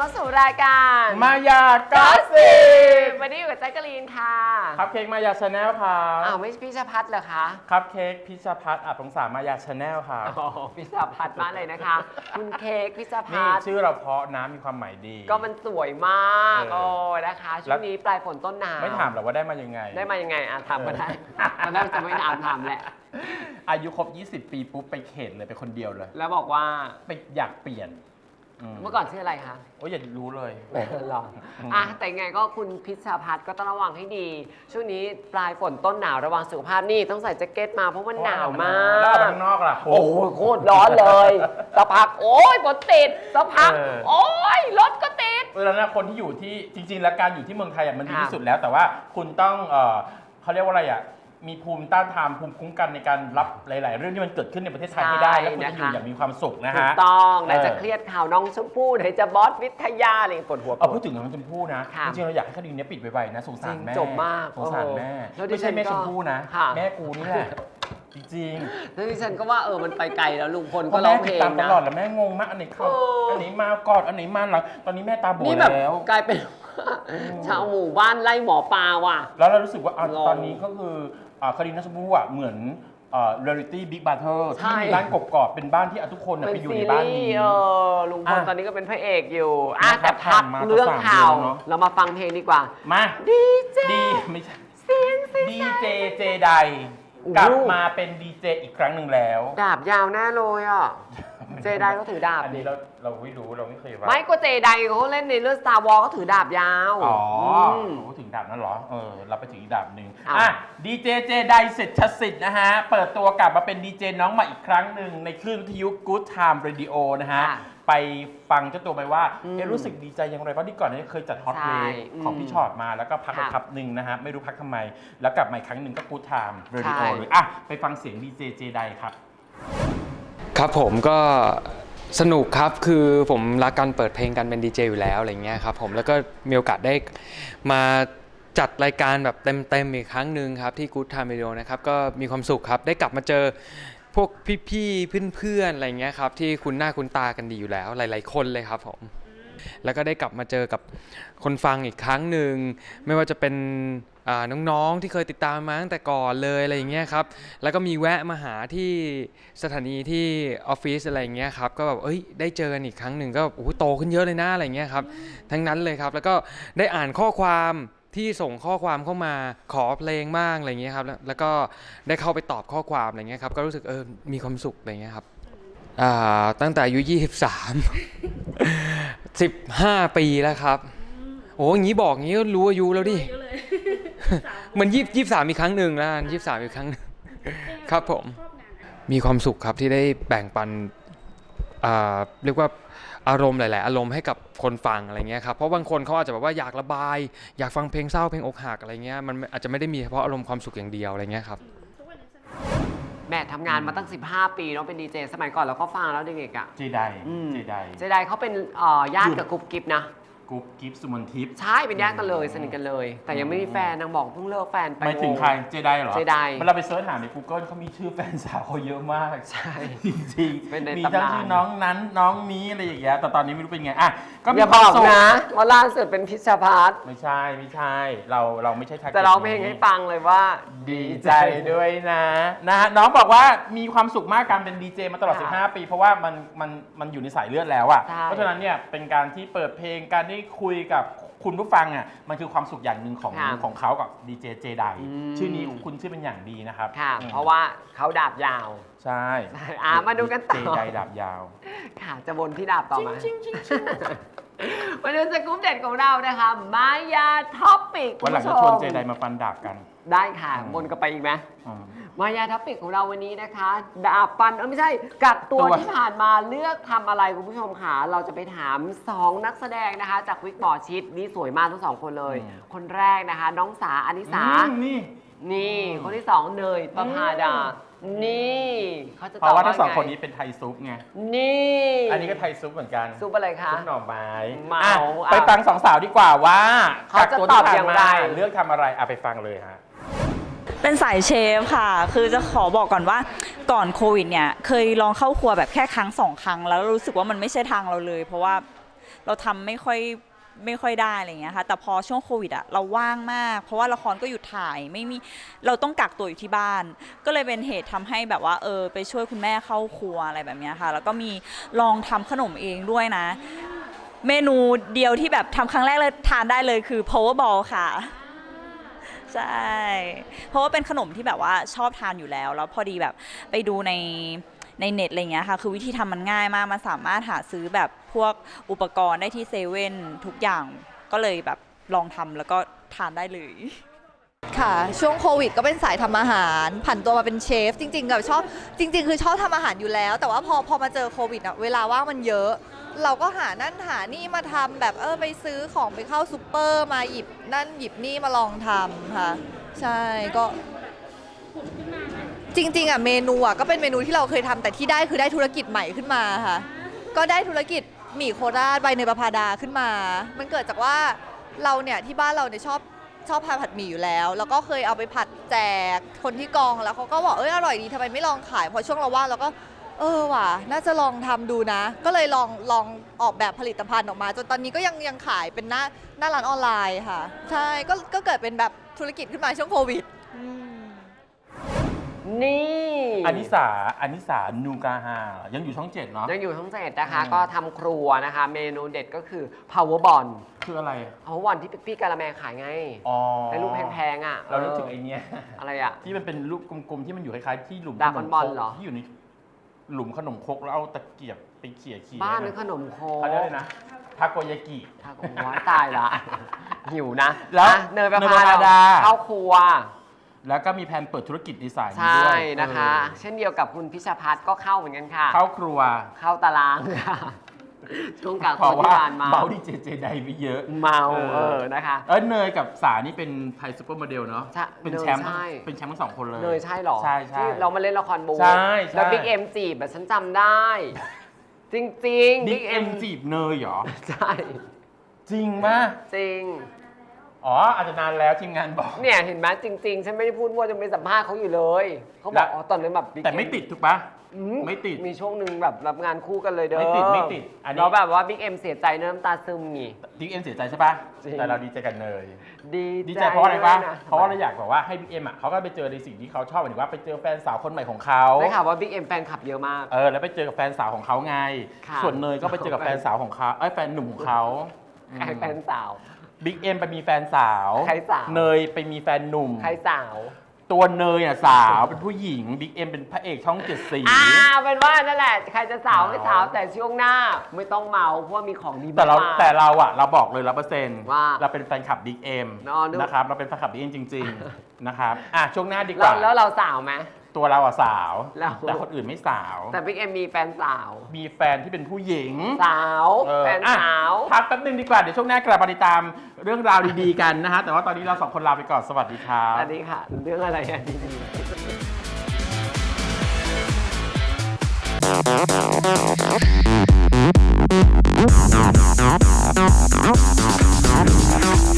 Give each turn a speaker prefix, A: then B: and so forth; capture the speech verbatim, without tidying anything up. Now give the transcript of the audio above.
A: เข้าสู่รายการ
B: มายากอสซิบ
A: วันนี้อยู่กับแจ๊กกะลีนค่ะ
B: ครับเค้กมายาชาแนลครับ
A: อ้าวไม่ใช่พิชพัฒน์เหรอคะ
B: ครับเค้กพิชพัฒน์อับสงสารมายาชาแนลครับ
A: อ๋อพิชพัฒน์มาเลยนะคะคุณเค้กพิชพั
B: นี่
A: ฒน์
B: ชื่อเราเพราะน้ำมีความหมายดี
A: ก็มันสวยมากโอ้นะคะช่วงนี้ปลายฝนต้นหนาว
B: ไม่ถามหรอกว่าได้มายังไง
A: ได้มายังไงอ่ะถามมาได้ตอนแรกจะไม่ถามถามแหละ
B: อายุครบยี่สิบปีปุ๊บไปเขตเลยไปคนเดียวเลย
A: แล้วบอกว่า
B: ไปอยากเปลี่ยน
A: เมื่อก่อนชื่ออะไรคะ
B: โอ้ยอย่ารู้เลย
A: หรออ่ะแต่ไงก็คุณพิชพัฒน์ก็ต้องระวังให้ดีช่วงนี้ปลายฝนต้นหนาวระวังสุขภาพนี่ต้องใส่แจ็คเก็ตมาเพราะมันหนาวมาก
B: แล้วออกไปข้างนอกล่ะ
A: โอ้โหโคตรร้อนเลยสักพักโอ้ยฝนติดสักพักโอ้ยรถก็ติด
B: เวลานะคนที่อยู่ที่จริงๆแล้วการอยู่ที่เมืองไทยมันดีที่สุดแล้วแต่ว่าคุณต้องเออเขาเรียกว่าอะไรอ่ะมีภูมิต้านทานภูมิคุ้มกันในการรับหลายๆเรื่องที่มันเกิดขึ้นในประเทศไทยให้ได้แล้วคุณจะอยู่อย่างมีความสุขนะฮะ
A: ถูกต้องไหนจะเครียดข่าวน้องชมพู่ไหนจะบอสวิทยาอะไรปวดหัว
B: เอาพูดถึงน้องชมพู่นะจริงๆเราอยากให้คดีนี้ปิดไวๆนะสงสารแม่
A: จบมาก
B: สงสารแม่ไม่ใช่แม่ชมพู่นะแม่กูนี่แหละจริง
A: ๆแล้วดิฉันก็ว่าเออมันไปไกลแล้วลุงพลก็ร้องเพลง
B: นะตลอดแล้วแม่งงมากอันไหนเข้าอันไหนมาก่อนอันไหนมาหลังตอนนี้แม่ตาบอดแล้ว
A: กลายเป็นชาวหมู่บ้านไล่หมอปลาว่ะ
B: แล้วเรารู้สึกว่าตอนนี้ก็คือคดีน้องชมพู่อ่ะเหมือนเรียลลิตี้บิ๊กบาร์เทอร์ที่มีบ้านกบๆเป็นบ้านที่ทุกคนไปอยู่ในบ้านนี้
A: เออลุงพลตอนนี้ก็เป็นพระเอกอยู่อ่ะแต่พักเรื่องข่าวเรามาฟังเพลงดีกว่า
B: มา
A: ดีเจ
B: ดีไม่ใช่ดีเจเจไดกลับมาเป็นดีเจอีกครั้งหนึ่งแล้ว
A: ดาบยาวแน่เลยอ่ะเจไดก็ถือดาบ
B: อันนี้เราเราไม่รู้เราไม่เคยว่า
A: ไม่ก็เจไดเขาเล่นในเรื่อง Star Wars เขาถือดาบยาว
B: อ๋อเขาถึงดาบนั่นเหรอเออเราไปถึงอีกดาบหนึ่งอ่ะดีเจเจไดเสร็จชสิทธิ์นะฮะเปิดตัวกลับมาเป็นดีเจน้องใหม่อีกครั้งหนึ่งในคลื่นวิทยุ Good Time Radio นะฮะไปฟังเจ้าตัวไปว่าเอ๊ะรู้สึกดีใจอย่างไรเพราะที่ก่อนนี้เคยจัดฮอตเพลงของพี่ชอตมาแล้วก็พักไปพักหนึ่งนะฮะไม่รู้พักทำไมแล้วกลับมาอีกครั้งหนึ่งก็ Good Time Radio เลยอ่ะไปฟังเสียงดีเจเจไดครับ
C: ครับผมก็สนุกครับคือผมรักการเปิดเพลงกันเป็นดีเจอยู่แล้วอะไรเงี้ยครับผมแล้วก็มีโอกาสได้มาจัดรายการแบบเต็มๆอีกครั้งหนึ่งครับที่ Good Time Radio นะครับก็มีความสุขครับได้กลับมาเจอพวกพี่ๆเพื่อนๆอะไรเงี้ยครับที่คุ้นหน้าคุ้นตากันดีอยู่แล้วหลายๆคนเลยครับผมแล้วก็ได้กลับมาเจอกับคนฟังอีกครั้งหนึ่งไม่ว่าจะเป็นน้องๆที่เคยติดตามมาตั้งแต่ก่อนเลยอะไรอย่างเงี้ยครับแล้วก็มีแวะมาหาที่สถานีที่ออฟฟิศอะไรอย่างเงี้ยครับก็แบบเอ้ยได้เจอกันอีกครั้งหนึ่งก็โอ้โหโตขึ้นเยอะเลยนะอะไรเงี้ยครับทั้งนั้นเลยครับแล้วก็ได้อ่านข้อความที่ส่งข้อความเข้ามาขอเพลงบ้างอะไรเงี้ยครับแล้วก็ได้เข้าไปตอบข้อความอะไรเงี้ยครับก็รู้สึกเออมีความสุขอะไรเงี้ยครับอ่าตั้งแต่อายุยี่สิบสาม สิบห้าปีแล้วครับโอ้ยงี้บอกงี้ก็รู้อายุแล้วดิเหมือนยี่สิบสามอีกครั้งหนึ่งแล้วยี่สิบสามอีกครั้งครับผมมีความสุขครับที่ได้แบ่งปันเรียกว่าอารมณ์หลายๆอารมณ์ให้กับคนฟังอะไรเงี้ยครับเพราะบางคนเขาอาจจะแบบว่าอยากระบายอยากฟังเพลงเศร้าเพลงอกหักอะไรเงี้ยมันอาจจะไม่ได้มีเฉพาะอารมณ์ความสุขอย่างเดียวอะไรเงี้ยครับ
A: แม่ทำงานมาตั้งสิบห้าปีเนาะเป็นดีเจสมัยก่อนเราก็ฟังแล้วเด็กๆอ่ะ
B: เจไดเจได
A: เจไดเขาเป็นญาติกับกุ๊บกิ๊บนะ
B: กุ๊บกิ๊บสุมนทิพย์
A: ใช่เป็นญาติกันเลยสนิทกันเลยแต่ยังไม่มีแฟนนางบอกเพิ่งเลิกแฟนไป
B: ไม่ถึงใครเจไดเหรอ
A: เจได
B: เวลาไปเสิร์ชหาใน Google เขามีชื่อแฟนสาวเขาเยอะมาก
A: ใช่
B: จริงๆมีทั้งชื่อน้องนั้นน้องนี้อะไรอย่างเงี้ยแต่ตอนนี้ไม่รู้เป็นไงอ่ะ
A: ก็มีความสุขนะว่าล่าสุดเป็นพิชพัฒน์
B: ไม่ใช่ไม่ใช่เราเราไม่ใช่ทัก
A: แต่ร้องเพลงให้ฟังเลยว่า
B: ดีใจด้วยนะนะฮะน้องบอกว่ามีความสุขมากการเป็นดีเจมาตลอดสิบห้าปีเพราะว่ามันมันมันอยู่ในสายเลือดแล้วอ่ะเพราะฉะนั้นเนี่ยเป็นการที่เปิดเพลงการได้คุยกับคุณผู้ฟังอ่ะมันคือความสุขอย่างหนึ่งของของเขากับดีเจเจไดชื่อนี้คุณชื่อเป็นอย่างดีนะครับ
A: ค่ะเพราะว่าเขาดาบยาว
B: ใช่
A: อ่ามาดูกันต่อ
B: เจไดดาบยาว
A: ค่ะจะวนที่ดาบต่อมามาดูสกู๊ปเด็ดของเรานะคะมายาท็อปปิก
B: วันหลังจะชวนเจไดมาฟันดาบกัน
A: ได้ค่ะวนกันไปอีกไหมมายาท็อปปิกของเราวันนี้นะคะดาบฟันเออไม่ใช่กักตัวที่ผ่านมาเลือกทำอะไรคุณผู้ชมค่ะเราจะไปถามสองนักแสดงนะคะจากวิกหมอชิดนี่สวยมากทั้งสองคนเลยคนแรกนะคะน้องสาอนิสา
B: นี่
A: นี่คนที่สองเนยประภาดานี่
B: เขาจะตอบว่าเพราะว่าทั้งสองคนนี้เป็นไทยซุปไง
A: นี่
B: อันนี้ก็ไทยซุปเหมือนกัน
A: ซุปอะไรคะ
B: ซุปหน่อไม้
A: เมา
B: ไปฟังสองสาวดีกว่าว่า
A: เขาจะตอบอย่างไร
B: เลือกทำอะไรอ่ะไปฟังเลยฮะ
D: เป็นสายเชฟค่ะคือจะขอบอกก่อนว่าก่อนโควิดเนี่ยเคยลองเข้าครัวแบบแค่ครั้งสองครั้งแล้วรู้สึกว่ามันไม่ใช่ทางเราเลยเพราะว่าเราทำไม่ค่อยไม่ค่อยได้อะไรอย่างเงี้ยค่ะแต่พอช่วงโควิดอะเราว่างมากเพราะว่าละครก็หยุดถ่ายไม่มีเราต้องกักตัวอยู่ที่บ้าน ก็เลยเป็นเหตุทำให้แบบว่าเออไปช่วยคุณแม่เข้าครัวอะไรแบบเนี้ยค่ะแล้วก็มีลองทำขนมเองด้วยนะ เมนูเดียวที่แบบทำครั้งแรกเลยทานได้เลยคือ powerball ค่ะใช่เพราะว่าเป็นขนมที่แบบว่าชอบทานอยู่แล้วแล้วพอดีแบบไปดูในในเน็ตอะไรเงี้ยค่ะคือวิธีทำมันง่ายมากมันสามารถหาซื้อแบบพวกอุปกรณ์ได้ที่เซเว่นทุกอย่างก็เลยแบบลองทำแล้วก็ทานได้เลย
E: ค่ะช่วงโควิดก็เป็นสายทำอาหารผันตัวมาเป็นเชฟจริงๆกับชอบจริงๆคือชอบทำอาหารอยู่แล้ว แต่ว่าพอพอมาเจอโควิดอะเวลาว่างมันเยอะ เราก็หานั่นหานี่มาทำแบบเออไปซื้อของไปเข้าซูเปอร์มาหยิบนั่นหยิบนี่มาลองทำค่ะใช่ก็จริงๆอะเมนูอะก็เป็นเมนูที่เราเคยทำแต่ที่ได้คือได้ธุรกิจใหม่ขึ้นมาค่ะก็ได้ธุรกิจหมี่โคราชใบเนยประภาดาขึ้นมา มันเกิดจากว่าเราเนี่ยที่บ้านเราเนี่ยชอบ ชอบทานผัดหมี่อยู่แล้ว แล้วก็เคยเอาไปผัดแจกคนที่กองแล้วเขาก็บอกเอ้ยอร่อยดีทำไมไม่ลองขายพอช่วงเราว่างเราก็เออว่ะน่าจะลองทำดูนะ ก็เลยลองลองออกแบบผลิตภัณฑ์ออกมาจนตอนนี้ก็ยังยังขายเป็นหน้าหน้าร้านออนไลน์ค่ะใช่ก็ก็เกิดเป็นแบบธุรกิจขึ้นมาช่วงโควิด
A: นี่
B: อานิสาอานิสานูกาฮายังอยู่ช่องเจ็ดเนาะ
A: ยังอยู่ทั้งเจ็ดนะคะ
B: อืม
A: ก็ทำครัวนะคะ เมนูเด็ดก็คือ powerball
B: คืออะไร
A: powerball ที่พี่กาละแมขายไง
B: อ๋อ
A: ให้ลูกแพงๆอ่ะ
B: เรานึกถึงไอ้เนี้ย
A: อะไรอ่ะ
B: ที่มันเป็นลูกกลมๆที่มันอยู่คล้ายๆที่หลุม
A: ดรา
B: ข
A: ก้
B: น
A: อน
B: ม
A: บอล
B: ครก
A: เหรอ
B: ที่อยู่ในหลุมขนมครกแล้วเอาตะเกียบไปเขี่ยๆ
A: บ้านนึ
B: นะ
A: กขนมโค
B: เขาเรียกอะไรนะทาโกยากิ
A: ถ้าผมว่าตายละ หิวนะ
B: แล้ว
A: อ่ะเนยประ
B: เนยประ
A: พา
B: ภา
A: ดา
B: ดา
A: เข้าครัว
B: แล้วก็มีแผนเปิดธุรกิจดีไซน์
A: ใช่
B: ด้วย
A: นะคะ
B: เออ
A: เช่นเดียวกับคุณพิชพัฒน์ก็เข้าเหมือนกันค่ะ
B: เข้าครัว
A: เข้าตารางค่ะช่วงกลาง
B: เพ
A: คน
B: ราะ
A: ที่
B: ว่า
A: ผ่านมา
B: เมาดีเจเจไดไปเยอะ
A: เมา
B: เออ
A: เออนะคะ
B: เออเนยกับสานี่เป็นไทยซูเปอร์โมเดลเนาะ
A: ใช่
B: เป็นแชมป์
A: เนยใช่
B: เป็นแชมป์ทั้งสองคนเลย
A: เนยใช่เหรอ
B: ใช่ใช่
A: ที่เรามาเล่นละครบู
B: ใช่ใช่
A: แล้วบิ๊กเอ็มจีบแบบฉันจำได้ จริงๆ
B: บิ๊กเอ็มจีบเนยเหรอ
A: ใช่
B: จริงมาก
A: จริง
B: อ๋ออาจจะนานแล้วทีมงานบอก
A: เนี่ยเห็นไหมจริง ๆ ฉันไม่ได้พูดว่าจะไปสัมภาษณ์เขาอยู่เลย เขาบ
B: แล้
A: อก
B: ว
A: อ๋อตอนนั้นแบบ Big
B: แต่ไม่
A: M
B: ติดถูกปะ
A: อื
B: ไม่ติด
A: มีช่วงหนึ่งแบบรับงานคู่กันเลยเด้อ
B: ไม่ติดไม่ติดอันนี้
A: แล้วแบบว่าบิ๊กเอ็มเสียใจเนื้อน้ำตาซึมงี้
B: บิ๊กเอ็มเสียใจใช่ปะ
A: จริง
B: แต่เราดีใจกันเนย
A: ดี
B: ดีใจเพราะอะไรปะ
A: ด้วยน
B: เพราะว่าเราอยากแบบว่าให้บิ๊กเอ็มอ่ะเขาก็ไปเจอในสิ่งที่เขาชอบหมายถึงว่าไปเจอแฟนสาวคนใหม่ของเขา
A: ได้ข่าวว่าบิ๊กเอ็มแฟนคลับเยอะมาก
B: เออแล้วไปเจอกับแฟนสาวของเขาไง
A: ค่ะ
B: ส่วนเนยก็ไปเจอกับแฟนสาวของเขาเอ้ยแฟนหนุ่มของเขา
A: ใครแฟนสาว
B: บิ๊กเอ็มไปมีแฟนสาว
A: ใครสาว
B: เนยไปมีแฟนหนุ่ม
A: ใครสาว
B: ตัวเนยอ่ะสาวเป็นผู้หญิงบิ๊กเอ็มเป็นพระเอกช่องเจ็ดสี
A: อ่าเป็นว่านั่นแหละ ใครจะสาวไม่สาว
B: สาว
A: แต่ช่วงหน้าไม่ต้องเมาเพราะว่ามีของดี
B: แต่เรา
A: มาก
B: แต่เราอะเราบอกเลยร้อยเปอร์เซ็นต์
A: ว่า
B: เราเป็นแฟนคลับบิ๊กเอ็ม
A: อ๋อนึก
B: นะครับเราเป็นแฟนคลับบิ๊กเอ็มจริง ๆ นะครับอ่ะช่วงหน้าดีก
A: แล้ว
B: ว่า
A: แล้วเราสาวไหม
B: ตัวเราอะสาว
A: แล้ว
B: แต่คนอื่นไม่สาว
A: แต่บิ๊กเอ็มมีแฟนสาว
B: มีแฟนที่เป็นผู้หญิง
A: สาว
B: เออ
A: แฟน
B: อ่ะ
A: สาว
B: พักแป๊บนึงดีกว่า เดี๋ยวช่วงหน้ากลับมาติดตามเรื่องราวดีๆกันนะฮะ แต่ว่าตอนนี้เราสองคนลาไปก่อน สวัสดีครับ
A: อันนี้ค่ะ เรื่องอะไรอ่ะดีๆ